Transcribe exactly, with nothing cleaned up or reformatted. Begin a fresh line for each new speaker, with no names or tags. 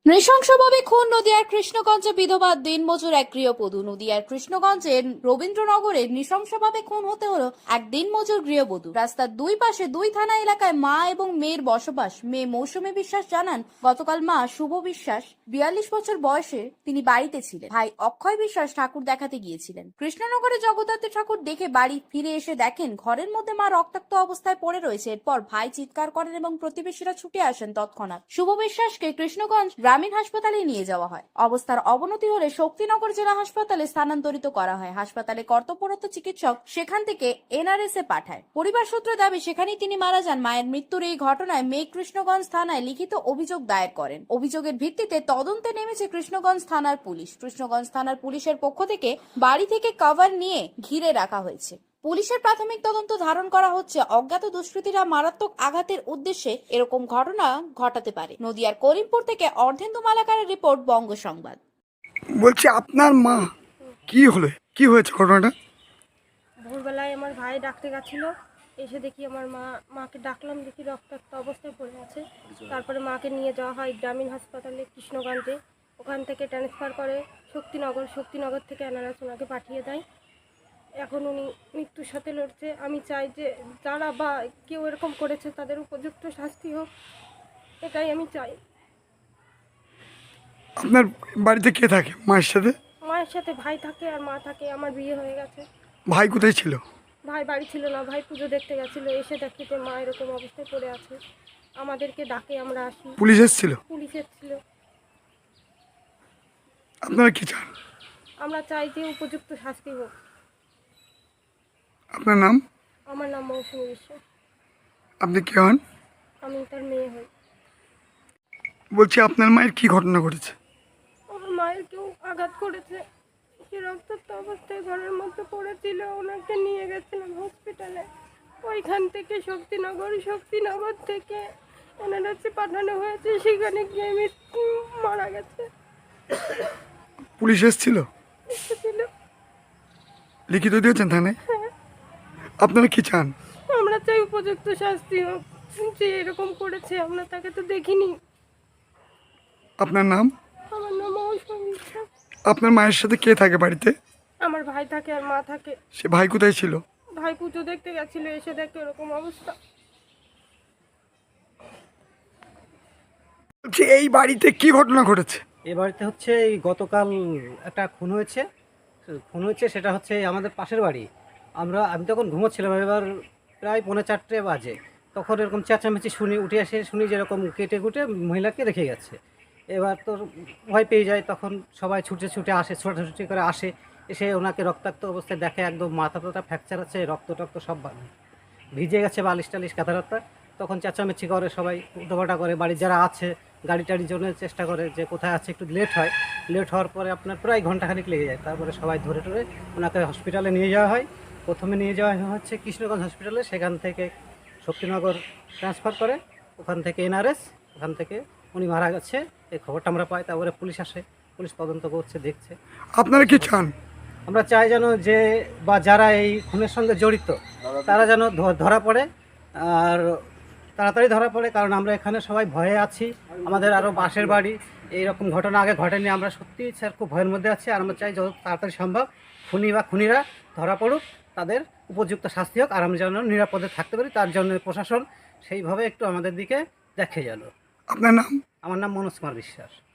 নৃশংসভাবে খুন নদিয়ার কৃষ্ণগঞ্জে বিধবা দিনমজুর এক গৃহবধূ। নদিয়ার কৃষ্ণগঞ্জের রবীন্দ্রনগরে নৃশংসভাবে খুন হতে হলো এক দিনমজুর গৃহবধূ। রাস্তার দুই পাশে দুই থানা এলাকায় মা এবং মেয়ের বসবাস। মেয়ে মৌসুমী বিশ্বাস জানান, গতকাল মা শুভ বিশ্বাস বিয়াল্লিশ বছর বয়সে তিনি বাড়িতে ছিলেন। ভাই অক্ষয় বিশ্বাস ঠাকুর দেখাতে গিয়েছিলেন। কৃষ্ণনগরে জগদ্ধাত্রী ঠাকুর দেখে বাড়ি ফিরে এসে দেখেন ঘরের মধ্যে মা রক্তাক্ত অবস্থায় পড়ে রয়েছে। এরপর ভাই চিৎকার করেন এবং প্রতিবেশীরা ছুটে আসেন। তৎক্ষণাৎ শুভ বিশ্বাসকে কৃষ্ণগঞ্জ গ্রামীণ হাসপাতালে নিয়ে যাওয়া হয়। অবস্থার অবনতি হলে শক্তিনগর জেলা হাসপাতালে স্থানান্তরিত করা হয়। হাসপাতালে কর্তব্যরত চিকিৎসক সেখান থেকে এনআরএস এ পাঠায়। পরিবার সূত্রে দাবি, সেখানেই তিনি মারা যান। মায়ের মৃত্যুর এই ঘটনায় মেয়ে কৃষ্ণগঞ্জ থানায় লিখিত অভিযোগ দায়ের করেন। অভিযোগের ভিত্তিতে তদন্তে নেমেছে কৃষ্ণগঞ্জ থানার পুলিশ। কৃষ্ণগঞ্জ থানার পুলিশের পক্ষ থেকে বাড়ি থেকে কভার নিয়ে ঘিরে রাখা হয়েছে। পুলিশের প্রাথমিক তদন্ত ধারণ করা হচ্ছে অজ্ঞাত দুষ্কৃতীরা মারাত্মক আঘাতের উদ্দেশ্যে এরকম ঘটনা ঘটাতে পারে। নদিয়ার করিমপুর থেকে অর্ধেন্দু মালাকারের রিপোর্ট, বঙ্গ সংবাদ।
বলছি আপনার মা কি হলো, কি হয়েছে ঘটনাটা?
ভোরবেলায় আমার ভাই ডাকতে গেছিল, এসে দেখি আমার মা মাকে ডাকলাম, দেখি রক্তাক্ত অবস্থায় পড়ে আছে। তারপরে মাকে নিয়ে যাওয়া হয় গ্রামীণ হাসপাতালে কৃষ্ণগঞ্জে। ওখান থেকে ট্রান্সফার করে শক্তিনগর, শক্তিনগর থেকে এনআরএস ওনাকে পাঠিয়ে দেয়। এখন উনি মৃত্যুর সাথে লড়ছে। আমি চাই যে যারা বা কেউ এরকম করেছে তাদের উপযুক্ত শাস্তি হোক, এটাই আমি চাই।
আপনার বাড়িতে কে থাকে মায়ের সাথে?
মায়ের সাথে ভাই থাকে আর মা থাকে। আমার বিয়ে হয়ে গেছে।
ভাই কোথায় ছিল?
ভাই বাড়ি ছিল না, ভাই পুজো দেখতে গেছিলো। এসে দেখি যে মা এরকম অবস্থায় পড়ে আছে। আমাদেরকে ডাকে, আমরা আসি।
পুলিশ এসেছিল?
পুলিশ এসেছিল।
আপনারা কি চান?
আমরা চাই যে উপযুক্ত শাস্তি হোক।
আপনার নাম?
আমার নাম মৌসুমী বিশ্বাস।
আপনি কে হন?
আমি তার মেয়ে হই।
বলছি আপনার মায়ের কি ঘটনা ঘটেছে?
আমার মায়ের কেউ আঘাত করেছে। সে রক্তাক্ত অবস্থায় ঘরের মধ্যে পড়েছিল। ওনাকে নিয়ে গেছিলাম হসপিটালে। ওইখান থেকে শক্তিনগর, শক্তিনগর থেকে এনআরএসে পাঠানো হয়েছে। সেখানে গিয়ে মৃত্যু মারা গেছে।
পুলিশ এসেছিল?
এসেছিল।
লিখিত দিয়েছেন থানায়? আপনারা কি চান?
আমরা চাই উপযুক্ত শাস্তি হোক। যে এরকম করেছে আমরা তাকে তো দেখিনি।
আপনার নাম?
আমার নাম মৌসুমী বিশ্বাস।
আপনার মায়ের সাথে কে থাকে বাড়িতে?
আমার ভাই থাকে আর মা থাকে।
সে ভাই কোথায় ছিল?
ভাই পুজো দেখতে গেছিল, এসে দেখে এরকম অবস্থা।
বলছি এই বাড়িতে কি ঘটনা ঘটেছে?
এ বাড়িতে হচ্ছে এই গতকাল একটা খুন হয়েছে। খুন হয়েছে সেটা হচ্ছে আমাদের পাশের বাড়ি। আমরা আমি তখন ঘুমোচ্ছিলাম, এবার প্রায় পৌনে চারটে বাজে। তখন এরকম চেঁচামেচি শুনি, উঠে এসে শুনি যেরকম কেটে কুটে মহিলাকে রেখে গেছে। এবার তো ভয় পেয়ে যায়, তখন সবাই ছুটে ছুটে আসে, ছোটাছুটি করে আসে। এসে ওনাকে রক্তাক্ত অবস্থায় দেখে, একদম মাথা টাথা ফ্র্যাকচার আছে, রক্ত টক্ত সব ভিজে গেছে, বালিশ টালিশ কাঁথা। তখন চেঁচামেচি করে, সবাই উল্টোপাল্টা করে। বাড়ির যারা আছে গাড়ি টাড়ির জন্য চেষ্টা করে যে কোথায় আছে। একটু লেট হয়, লেট হওয়ার পরে আপনার প্রায় ঘন্টাখানিক লেগে যায়। তারপরে সবাই ধরে ধরে ওনাকে হসপিটালে নিয়ে যাওয়া হয়। প্রথমে নিয়ে যাওয়া হচ্ছে কৃষ্ণগঞ্জ হসপিটালে, সেখান থেকে শক্তিনগর ট্রান্সফার করে, ওখান থেকে এনআরএস, ওখান থেকে উনি মারা গেছে এই খবরটা আমরা পাই। তারপরে পুলিশ আসে, পুলিশ তদন্ত করছে, দেখছে।
আপনারা কি চান?
আমরা চাই যেন যে বা যারা এই খুনের সঙ্গে জড়িত তারা যেন ধরা পড়ে, আর তাড়াতাড়ি ধরা পড়ে। কারণ আমরা এখানে সবাই ভয়ে আছি। আমাদের আরও পাশের বাড়ি এইরকম ঘটনা আগে ঘটেনি। আমরা সত্যি স্যার খুব ভয়ের মধ্যে আছি। আর আমরা চাই যত তাড়াতাড়ি সম্ভব খুনি বা খুনিরা ধরা পড়ুক, তাদের উপযুক্ত শাস্তি হোক, আর আমরা যেন নিরাপদে থাকতে পারি। তার জন্য প্রশাসন সেইভাবে একটু আমাদের দিকে দেখে যেন।
আপনার নাম?
আমার নাম মনোজ কুমার বিশ্বাস।